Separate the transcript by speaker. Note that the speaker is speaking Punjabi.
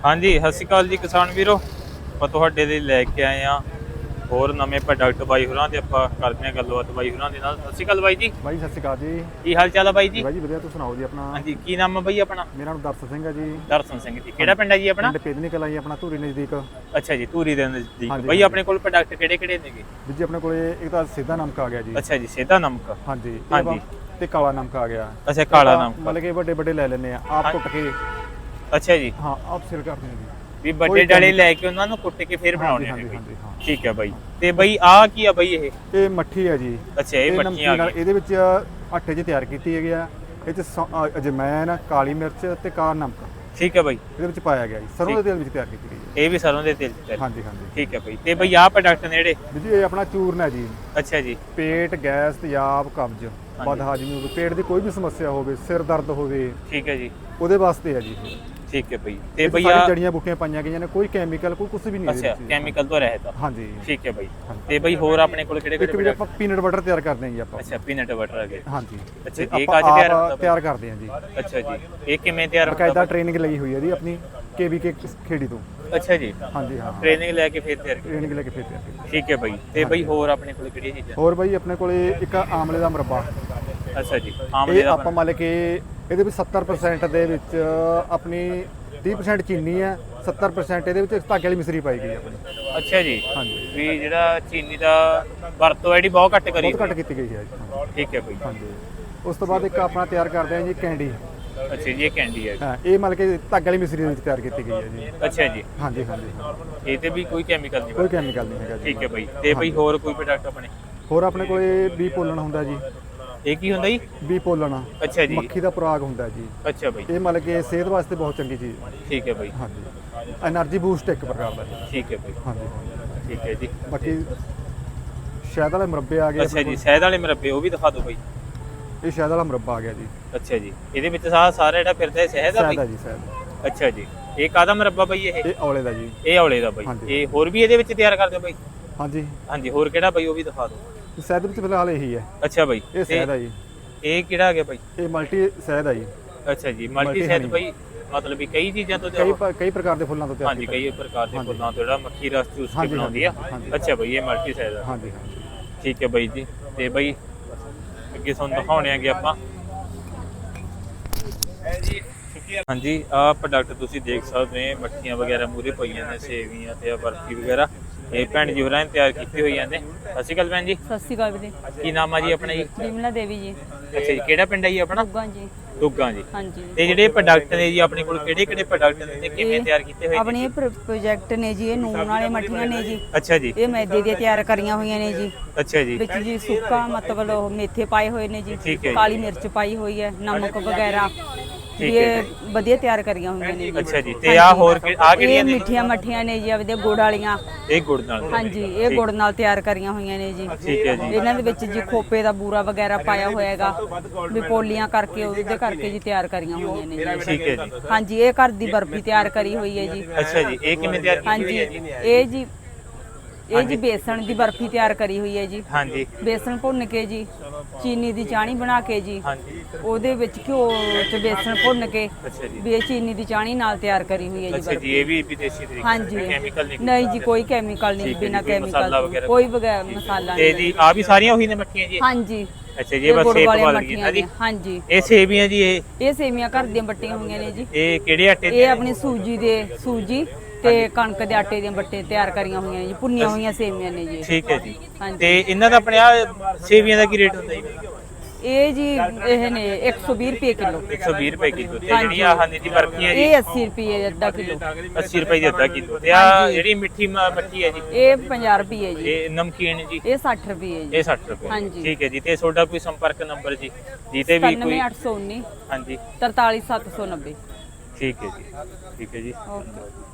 Speaker 1: ਹਾਂਜੀ ਸਤਿ ਸ਼੍ਰੀ ਅਕਾਲ ਜੀ ਕਿਸਾਨ ਵੀਰੋ, ਆਪਾਂ ਤੁਹਾਡੇ ਲਈ ਲੈ ਕੇ ਆਏ ਆ ਹੋਰ ਨਵੇਂ ਪ੍ਰੋਡਕਟ ਬਾਈ ਹੋਰਾਂ ਦੇ। ਆਪਾਂ ਕਰਦੇ ਆ ਗੱਲਬਾਤ ਬਾਈ ਹੋਰਾਂ ਦੇ ਨਾਲ। ਸਤਿ ਸ਼੍ਰੀ ਅਕਾਲ ਬਾਈ ਜੀ।
Speaker 2: ਬਾਈ ਸਤਿ ਸ਼੍ਰੀ ਅਕਾਲ ਜੀ।
Speaker 1: ਕੀ ਹਾਲ ਚਾਲ ਆ ਬਾਈ ਜੀ?
Speaker 2: ਬਾਈ ਜੀ ਵਧੀਆ, ਤੁਸੀਂ ਸੁਣਾਓ ਜੀ ਆਪਣਾ?
Speaker 1: ਹਾਂਜੀ ਕੀ ਨਾਮ ਆ ਬਾਈ ਆਪਣਾ?
Speaker 2: ਮੇਰਾ ਨਾਮ ਦਰਸ਼ਨ ਸਿੰਘ ਹੈ ਜੀ।
Speaker 1: ਦਰਸ਼ਨ ਸਿੰਘ ਜੀ, ਕਿਹੜਾ ਪਿੰਡ ਹੈ ਜੀ ਆਪਣਾ?
Speaker 2: ਪਿੰਡ ਪੇਦਨੀ ਕਲਾਂ ਜੀ, ਆਪਣਾ ਧੂਰੀ ਨਜ਼ਦੀਕ।
Speaker 1: ਅੱਛਾ ਜੀ, ਧੂਰੀ ਦੇ ਨਜ਼ਦੀਕ।
Speaker 2: ਹਾਂਜੀ,
Speaker 1: ਬਾਈ ਆਪਣੇ ਕੋਲ ਪ੍ਰੋਡਕਟ ਕਿਹੜੇ ਕਿਹੜੇ ਨੇਗੇ?
Speaker 2: ਵੀਰ ਜੀ ਆਪਣੇ ਕੋਲੇ ਇੱਕ ਤਾਂ ਸਿੱਧਾ ਨਮਕ ਆ ਗਿਆ ਜੀ।
Speaker 1: ਅੱਛਾ ਜੀ, ਸਿੱਧਾ ਨਮਕ।
Speaker 2: ਹਾਂਜੀ
Speaker 1: ਹਾਂਜੀ।
Speaker 2: ਤੇ ਕਾਲਾ ਨਮਕ ਆ ਗਿਆ।
Speaker 1: ਅੱਛਾ ਕਾਲਾ ਨਮਕ,
Speaker 2: ਮਤਲਬ ਕਿ ਵੱਡੇ ਵੱਡੇ ਲੈ ਲੈਣੇ ਆ ਆਪ ਕੁੱਟ ਕੇ।
Speaker 1: ਅੱਛਾ ਜੀ,
Speaker 2: ਹਾਂ ਆਪ ਸਿਰ ਕਰਦੇ ਆ ਜੀ।
Speaker 1: ਵੀ ਵੱਡੇ ਡਾਲੇ ਲੈ ਕੇ ਉਹਨਾਂ ਨੂੰ ਕੁੱਟ ਕੇ ਫਿਰ ਬਣਾਉਣੇ ਨੇ।
Speaker 2: ਹਾਂਜੀ ਹਾਂ
Speaker 1: ਠੀਕ ਹੈ ਬਾਈ। ਤੇ ਬਾਈ ਆ ਕੀ ਆ ਬਾਈ ਇਹ
Speaker 2: ਮੱਠੀ ਹੈ ਜੀ।
Speaker 1: ਅੱਛਾ ਇਹ ਮੱਠੀਆਂ ਆ ਗਈਆਂ।
Speaker 2: ਇਹਦੇ ਵਿੱਚ ਆਟੇ 'ਚ ਤਿਆਰ ਕੀਤੀ ਹੈਗੀ ਆ। ਇਹ 'ਚ ਅਜਵਾਇਣ, ਕਾਲੀ ਮਿਰਚ ਤੇ ਕਾਲਾ ਨਮਕ
Speaker 1: ਠੀਕ ਹੈ ਬਾਈ
Speaker 2: ਇਹਦੇ ਵਿੱਚ ਪਾਇਆ ਗਿਆ ਜੀ। ਸਰੋਂ ਦੇ ਤੇਲ ਵਿੱਚ ਤਿਆਰ ਕੀਤੀ ਗਈ ਹੈ।
Speaker 1: ਇਹ ਵੀ ਸਰੋਂ ਦੇ ਤੇਲ ਚ?
Speaker 2: ਹਾਂਜੀ ਹਾਂਜੀ
Speaker 1: ਠੀਕ ਹੈ ਬਾਈ। ਤੇ ਬਾਈ ਆਹ ਪ੍ਰੋਡਕਟ ਨੇ ਜਿਹੜੇ?
Speaker 2: ਵੀਰ ਜੀ ਇਹ ਆਪਣਾ ਚੂਰਨ ਹੈ ਜੀ।
Speaker 1: ਅੱਛਾ ਜੀ।
Speaker 2: ਪੇਟ, ਗੈਸ, ਤੇਜ਼ਾਬ, ਕਬਜ਼, ਬਦਹਾਜ਼ਮੀ ਹੋਵੇ, ਪੇਟ ਦੀ ਕੋਈ ਵੀ ਸਮੱਸਿਆ ਹੋਵੇ, ਸਿਰ ਦਰਦ ਹੋਵੇ,
Speaker 1: ਠੀਕ ਹੈ ਜੀ,
Speaker 2: ਉਹਦੇ ਵਾਸਤੇ ਹੈ ਜੀ।
Speaker 1: ਠੀਕ ਹੈ ਬਾਈ। ਤੇ
Speaker 2: ਬਈ
Speaker 1: ਆ
Speaker 2: ਜੜੀਆਂ ਬੂਟੀਆਂ ਪਾਈਆਂ ਗਈਆਂ ਨੇ, ਕੋਈ ਕੈਮੀਕਲ ਕੋਈ ਕੁਝ ਵੀ ਨਹੀਂ
Speaker 1: ਅੱਛਾ ਕੈਮੀਕਲ ਤੋਂ ਰਹਿਤ।
Speaker 2: ਹਾਂਜੀ
Speaker 1: ਠੀਕ ਹੈ ਬਾਈ। ਤੇ ਬਾਈ ਹੋਰ ਆਪਣੇ ਕੋਲ ਕਿਹੜੇ
Speaker 2: ਇੱਕ ਵੀ
Speaker 1: ਕਿਹੜੇ?
Speaker 2: ਆਪਾਂ ਪੀਨਟ ਬਟਰ ਤਿਆਰ ਕਰਦੇ ਹਾਂ ਜੀ ਆਪਾਂ।
Speaker 1: ਅੱਛਾ ਪੀਨਟ ਬਟਰ ਆ ਗਏ।
Speaker 2: ਹਾਂਜੀ
Speaker 1: ਅੱਛਾ ਇਹ
Speaker 2: ਆਪਾਂ
Speaker 1: ਕਾਜ ਤਿਆਰ ਹੁੰਦਾ?
Speaker 2: ਤਿਆਰ ਕਰਦੇ ਹਾਂ ਜੀ।
Speaker 1: ਅੱਛਾ ਜੀ, ਇਹ ਕਿਵੇਂ ਤਿਆਰ ਹੁੰਦਾ?
Speaker 2: ਬਕਾਇਦਾ ਟ੍ਰੇਨਿੰਗ ਲਈ ਹੋਈ ਹੈ ਜੀ ਆਪਣੀ KVK ਖੇੜੀ ਤੋਂ।
Speaker 1: ਅੱਛਾ ਜੀ,
Speaker 2: ਹਾਂਜੀ ਹਾਂ
Speaker 1: ਟ੍ਰੇਨਿੰਗ ਲੈ ਕੇ ਫਿਰ ਤਿਆਰ ਕੀਤਾ।
Speaker 2: ਟ੍ਰੇਨਿੰਗ ਲੈ ਕੇ ਫਿਰ ਤਿਆਰ ਕੀਤੀ।
Speaker 1: ਠੀਕ ਹੈ ਬਾਈ। ਤੇ ਬਾਈ ਹੋਰ ਆਪਣੇ ਕੋਲ ਕਿਹੜੀਆਂ ਚੀਜ਼ਾਂ?
Speaker 2: ਹੋਰ ਬਾਈ ਆਪਣੇ ਕੋਲੇ ਇੱਕ ਆਮਲੇ ਦਾ ਮੁਰੱਬਾ।
Speaker 1: ਅੱਛਾ ਜੀ, ਆਮਲੇ
Speaker 2: ਇਹ
Speaker 1: ਦਾ
Speaker 2: ਆਪਾਂ ਮੰਨ ਕੇ ਇਹਦੇ ਵਿੱਚ 70% ਦੇ ਵਿੱਚ ਆਪਣੀ 30% ਚੀਨੀ ਹੈ, 70% ਇਹਦੇ ਵਿੱਚ ਧਾਗੇ ਵਾਲੀ ਮਿਸਰੀ ਪਾਈ ਗਈ ਆਪਣੀ।
Speaker 1: ਅੱਛਾ ਜੀ,
Speaker 2: ਹਾਂਜੀ
Speaker 1: ਵੀ ਜਿਹੜਾ ਚੀਨੀ ਦਾ ਵਰਤੋਂ ਹੈ ਜਿਹੜੀ ਬਹੁਤ ਘੱਟ ਕਰੀ।
Speaker 2: ਬਹੁਤ ਘੱਟ ਕੀਤੀ ਗਈ ਹੈ ਜੀ।
Speaker 1: ਠੀਕ ਹੈ ਬਾਈ।
Speaker 2: ਹਾਂਜੀ ਉਸ ਤੋਂ ਬਾਅਦ ਇੱਕ ਆਪਣਾ ਤਿਆਰ ਕਰਦੇ ਹਾਂ ਜੀ ਕੈਂਡੀ।
Speaker 1: ਅੱਛਾ ਜੀ, ਇਹ ਕੈਂਡੀ ਹੈ।
Speaker 2: ਹਾਂ ਇਹ ਮਤਲਬ ਕਿ ਧਾਗੇ ਵਾਲੀ ਮਿਸਰੀ ਦੇ ਵਿੱਚ ਤਿਆਰ ਕੀਤੀ ਗਈ ਹੈ ਜੀ।
Speaker 1: ਅੱਛਾ ਜੀ,
Speaker 2: ਹਾਂਜੀ ਹਾਂਜੀ
Speaker 1: ਇਹ ਤੇ ਵੀ ਕੋਈ ਕੈਮੀਕਲ ਨਹੀਂ?
Speaker 2: ਕੋਈ ਕੈਮੀਕਲ ਨਹੀਂ ਹੈਗਾ ਜੀ।
Speaker 1: ਠੀਕ ਹੈ ਬਾਈ। ਤੇ ਬਾਈ ਹੋਰ ਕੋਈ ਪ੍ਰੋਡਕਟ ਆਪਣੇ?
Speaker 2: ਹੋਰ ਆਪਣੇ ਕੋਲੇ ਬੀ ਪੋਲਣ ਹੁੰਦਾ ਜੀ।
Speaker 1: ਇਹ ਕੀ ਹੁੰਦਾ ਜੀ?
Speaker 2: ਬੀ ਪੋਲਣ
Speaker 1: ਅੱਛਾ ਜੀ।
Speaker 2: ਮੱਖੀ ਦਾ ਪਰਾਗ ਹੁੰਦਾ ਜੀ।
Speaker 1: ਅੱਛਾ ਬਾਈ।
Speaker 2: ਇਹ ਮਤਲਬ ਕਿ ਸਿਹਤ ਵਾਸਤੇ ਬਹੁਤ ਚੰਗੀ ਚੀਜ਼ ਹੈ।
Speaker 1: ਠੀਕ ਹੈ ਬਾਈ।
Speaker 2: ਹਾਂਜੀ એનર્ਜੀ ਬੂਸਟ ਇੱਕ ਪ੍ਰਕਾਰ ਦਾ ਜੀ।
Speaker 1: ਠੀਕ ਹੈ ਬਾਈ।
Speaker 2: ਹਾਂਜੀ
Speaker 1: ਠੀਕ ਹੈ ਜੀ।
Speaker 2: ਬਾਕੀ ਸ਼ਹਿਦ ਵਾਲੇ ਮੁਰੱਬੇ ਆ ਗਏ।
Speaker 1: ਅੱਛਾ ਜੀ, ਸ਼ਹਿਦ ਵਾਲੇ ਮੁਰੱਬੇ ਉਹ ਵੀ ਦਿਖਾ ਦਿਓ ਬਾਈ।
Speaker 2: ਇਹ ਸ਼ਹਿਦ ਵਾਲਾ ਮੁਰੱਬਾ ਆ ਗਿਆ ਜੀ।
Speaker 1: ਅੱਛਾ ਜੀ, ਇਹਦੇ ਵਿੱਚ ਸਾਰਾ ਜਿਹੜਾ ਫਿਰਦਾ ਹੈ ਸ਼ਹਿਦ ਆ
Speaker 2: ਸ਼ਹਿਦ ਆ
Speaker 1: ਬਾਈ?
Speaker 2: ਜੀ ਸ਼ਹਿਦ।
Speaker 1: ਅੱਛਾ ਜੀ, ਇਹ ਕਾਹਦਾ ਮੁਰੱਬਾ ਬਾਈ ਇਹ?
Speaker 2: ਇਹ ਔਲੇ ਦਾ ਜੀ।
Speaker 1: ਇਹ ਔਲੇ ਦਾ ਬਾਈ।
Speaker 2: ਹਾਂਜੀ।
Speaker 1: ਇਹ ਹੋਰ ਵੀ ਇਹਦੇ ਵਿੱਚ ਤਿਆਰ ਕਰਦੇ ਹੋ ਬਾਈ?
Speaker 2: ਹਾਂਜੀ
Speaker 1: ਹਾਂਜੀ, ਹੋਰ ਕਿਹੜਾ ਬਾਈ ਉਹ ਵੀ ਦਿਖਾ ਦਿਓ।
Speaker 2: ਸ਼ਹਿਦ ਵਿੱਚ ਫਿਲਹਾਲ ਇਹੀ ਹੈ।
Speaker 1: ਅੱਛਾ ਬਾਈ।
Speaker 2: ਇਹ ਸ਼ਹਿਦ ਆ ਜੀ।
Speaker 1: ਇਹ ਕਿਹੜਾ ਆ ਗਿਆ ਬਾਈ?
Speaker 2: ਇਹ ਮਲਟੀ ਸ਼ਹਿਦ ਆ ਜੀ।
Speaker 1: ਅੱਛਾ ਜੀ, ਮਲਟੀ ਸ਼ਹਿਦ ਬਾਈ ਮਤਲਬ ਵੀ ਕਈ ਚੀਜ਼ਾਂ ਤੋਂ
Speaker 2: ਕਈ ਪ੍ਰਕਾਰ ਦੇ ਫੁੱਲਾਂ ਤੋਂ ਤਿਆਰ
Speaker 1: ਹਾਂਜੀ ਕਈ ਪ੍ਰਕਾਰ ਦੇ ਫੁੱਲਾਂ ਤੋਂ ਜਿਹੜਾ ਮੱਖੀ ਰਸ ਚੂਸ ਕੇ ਬਣਾਉਂਦੀ ਆ। ਅੱਛਾ ਬਾਈ, ਇਹ ਮਲਟੀ ਸ਼ਹਿਦ ਆ।
Speaker 2: ਹਾਂਜੀ ਹਾਂਜੀ
Speaker 1: ਠੀਕ ਹੈ ਬਾਈ ਜੀ। ਤੇ ਬਾਈ ਅੱਗੇ ਤੁਹਾਨੂੰ ਦਿਖਾਉਣੇ ਆਗੇ ਆਪਾਂ। ਹਾਂਜੀ ਆਹ ਪ੍ਰੋਡਕਟ ਤੁਸੀਂ ਦੇਖ ਸਕਦੇ ਹੋ, ਮੱਠੀਆਂ ਵਗੈਰਾ ਮੂਰੇ ਪਈਆਂ ਨੇ, ਸੇਵੀਆਂ ਤੇ ਬਰਫੀ ਵਗੈਰਾ। ਇਹ ਭੈਣ ਜੀ ਹੋਰਾਂ ਨੇ ਤਿਆਰ ਕੀਤੀ ਹੋਈ ਜਾਂਦੇ। ਸਤਿ ਸ਼੍ਰੀ ਅਕਾਲ ਭੈਣ ਜੀ।
Speaker 3: ਸਤਿ ਸ਼੍ਰੀ ਅਕਾਲ ਵੀਰੇ।
Speaker 1: ਕੀ ਨਾਮ ਆ ਜੀ ਆਪਣਾ ਜੀ?
Speaker 3: ਬਿਮਲਾ ਦੇਵੀ ਜੀ।
Speaker 1: ਅੱਛਾ ਜੀ, ਕਿਹੜਾ ਪਿੰਡ ਹੈ ਜੀ ਆਪਣਾ?
Speaker 3: ਦੁੱਗਾ ਜੀ।
Speaker 1: ਦੁੱਗਾ ਜੀ।
Speaker 3: ਹਾਂਜੀ।
Speaker 1: ਤੇ ਜਿਹੜੇ ਪ੍ਰੋਡਕਟ ਨੇ ਜੀ ਆਪਣੇ ਕੋਲ ਕਿਹੜੇ ਕਿਹੜੇ ਪ੍ਰੋਡਕਟ ਨੇ ਤੇ ਕਿਵੇਂ ਤਿਆਰ ਕੀਤੇ ਹੋਏ ਨੇ?
Speaker 3: ਆਪਣੇ ਪ੍ਰੋਜੈਕਟ ਨੇ ਜੀ, ਇਹ ਨੂਨ ਵਾਲੇ ਮੱਠੀਆਂ ਨੇ ਜੀ।
Speaker 1: ਅੱਛਾ ਜੀ।
Speaker 3: ਇਹ ਮੈਦੇ ਦੀਆਂ ਤਿਆਰ ਕਰੀਆਂ ਹੋਈਆਂ ਨੇ ਜੀ।
Speaker 1: ਅੱਛਾ ਜੀ।
Speaker 3: ਵਿੱਚ ਜੀ ਸੁੱਕਾ ਮਤਲਬ ਉਹ ਮੇਥੇ ਪਾਏ ਹੋਏ ਨੇ ਜੀ,
Speaker 1: ਠੀਕ ਹੈ ਜੀ।
Speaker 3: ਕਾਲੀ ਮਿਰਚ ਪਾਈ ਹੋਈ ਹੈ, ਨਮਕ ਵਗੈਰਾ।
Speaker 1: ਠੀਕ ਹੈ
Speaker 3: ਇਹ ਵਧੀਆ ਤਿਆਰ ਕਰੀਆਂ ਹੋਈਆਂ ਨੇ ਜੀ।
Speaker 1: ਅੱਛਾ ਜੀ। ਤੇ ਆ ਹੋਰ ਆ ਕਿਹੜੀਆਂ
Speaker 3: ਇਹ
Speaker 1: ਨੇ?
Speaker 3: ਮਿੱਠੀਆਂ ਮੱਠੀਆਂ ਨੇ ਜੀ, ਆਪਦੇ ਗੁੜ ਵਾਲੀਆਂ।
Speaker 1: ਇਹ ਗੁੜ ਨਾਲ?
Speaker 3: ਹਾਂਜੀ, ਇਹ ਗੁੜ ਨਾਲ ਤਿਆਰ ਕਰੀਆਂ ਹੋਈਆਂ ਨੇ ਜੀ।
Speaker 1: ਠੀਕ ਹੈ ਜੀ।
Speaker 3: ਇਹਨਾਂ ਦੇ ਵਿੱਚ ਜੀ ਖੋਪੇ ਦਾ ਬੂਰਾ ਵਗੈਰਾ ਪਾਇਆ ਹੋਇਆ ਹੈਗਾ, ਵੀ ਪੋਲੀਆਂ ਕਰਕੇ ਉਹਦੇ ਕਰਕੇ ਜੀ ਤਿਆਰ ਕਰੀਆਂ ਹੋਈਆਂ ਨੇ ਜੀ।
Speaker 1: ਠੀਕ ਹੈ ਜੀ।
Speaker 3: ਹਾਂਜੀ, ਇਹ ਘਰ ਦੀ ਬਰਫੀ ਤਿਆਰ ਕਰੀ ਹੋਈ ਹੈ ਜੀ।
Speaker 1: ਅੱਛਾ ਜੀ, ਇਹ ਕਿਵੇਂ ਤਿਆਰ ਕੀਤੀ ਹੋਈ ਹੈ ਜੀ?
Speaker 3: ਇਹ ਜੀ ਬੇਸਣ ਦੀ ਬਰਫੀ ਤਿਆਰ ਕਰੀ ਹੋਈ ਹੈ ਜੀ।
Speaker 1: ਹਾਂਜੀ।
Speaker 3: ਬੇਸਣ ਭੁੰਨ ਕੇ ਜੀ, ਚੀਨੀ ਦੀ ਚਾਣੀ ਬਣਾ ਕੇ ਜੀ,
Speaker 1: ਹਾਂਜੀ।
Speaker 3: ਉਹਦੇ ਵਿੱਚ ਘਿਓ ਚ ਬੇਸਣ ਭੁੰਨ ਕੇ
Speaker 1: ਅੱਛਾ ਜੀ।
Speaker 3: ਵੀ ਇਹ ਚੀਨੀ ਦੀ ਚਾਣੀ ਨਾਲ ਤਿਆਰ ਕਰੀ ਹੋਈ ਹੈ ਜੀ
Speaker 1: ਅੱਛਾ ਜੀ, ਇਹ ਵੀ ਵਿਦੇਸ਼ੀ ਤਰੀਕੇ
Speaker 3: ਹਾਂਜੀ।
Speaker 1: ਕੈਮੀਕਲ ਨਹੀਂ?
Speaker 3: ਨਹੀਂ ਜੀ, ਕੋਈ ਕੈਮੀਕਲ ਨਹੀਂ, ਬਿਨਾ ਕੈਮੀਕਲ ਕੋਈ ਮਸਾਲਾ
Speaker 1: ਤੇ
Speaker 3: ਨਹੀਂ।
Speaker 1: ਜੀ ਆ ਵੀ ਸਾਰੀਆਂ ਉਹੀ ਨੇ ਮੱਠੀਆਂ ਜੀ?
Speaker 3: ਹਾਂਜੀ।
Speaker 1: ਅੱਛਾ ਜੀ, ਇਹ ਬਸ ਸ਼ੇਪ ਵਾਲ ਗਈ ਨਾ ਜੀ?
Speaker 3: ਹਾਂਜੀ।
Speaker 1: ਇਹ ਸੇਵੀਆਂ ਜੀ?
Speaker 3: ਇਹ ਸੇਵੀਆਂ ਘਰ ਦੀਆਂ ਬੱਟੀਆਂ ਹੋਈਆਂ ਨੇ ਜੀ।
Speaker 1: ਇਹ ਕਿਹੜੇ ਆਟੇ
Speaker 3: ਇਹ ਆਪਣੀ ਸੂਜੀ ਤੇ ਕਣਕ ਦੇ ਆਟੇ ਦੀਆਂ ਬੱਟੇ ਤਿਆਰ ਕਰੀਆਂ ਹੋਈਆਂ ਨੇ ਜੀ, ਭੁੰਨੀਆਂ ਹੋਈਆਂ ਸੇਵੀਆਂ ਨੇ ਜੀ।
Speaker 1: ਠੀਕ ਹੈ ਜੀ।
Speaker 3: ਹਾਂਜੀ।
Speaker 1: ਤੇ ਇਹਨਾਂ ਦਾ ਆਪਣੇ ਆ ਸੇਵੀਆਂ ਦਾ ਕੀ ਰੇਟ ਹੁੰਦਾ ਜੀ?
Speaker 3: ਇਹ ਜੀ ਇਹ ਨੇ 120 ਰੁਪਏ ਕਿਲੋ।
Speaker 1: 120 ਰੁਪਏ ਕਿਲੋ। ਤੇ ਜਿਹੜੀਆਂ ਆਹ ਨੇ ਜੀ ਬਰਫੀਆਂ ਜੀ?
Speaker 3: ਇਹ 80 ਰੁਪਏ ਅੱਧਾ ਕਿਲੋ।
Speaker 1: 80 ਰੁਪਏ ਦੀ ਅੱਧਾ ਕਿਲੋ। ਤੇ ਆ ਜਿਹੜੀ ਮਿੱਠੀ ਮੱਠੀ ਹੈ ਜੀ?
Speaker 3: ਇਹ 50 ਰੁਪਏ ਜੀ।
Speaker 1: ਇਹ ਨਮਕੀਨ ਜੀ?
Speaker 3: ਇਹ 60 ਰੁਪਏ ਜੀ।
Speaker 1: ਇਹ 60 ਰੁਪਏ।
Speaker 3: ਹਾਂਜੀ।
Speaker 1: ਠੀਕ ਹੈ ਜੀ। ਤੇ ਤੁਹਾਡਾ ਕੋਈ ਸੰਪਰਕ ਨੰਬਰ ਜੀ ਜਿੱਤੇ ਵੀ ਕੋਈ?
Speaker 3: 9819
Speaker 1: ਹਾਂਜੀ
Speaker 3: 43790।
Speaker 1: ਠੀਕ ਹੈ ਜੀ। ਠੀਕ ਹੈ ਜੀ।
Speaker 3: ਓਕੇ।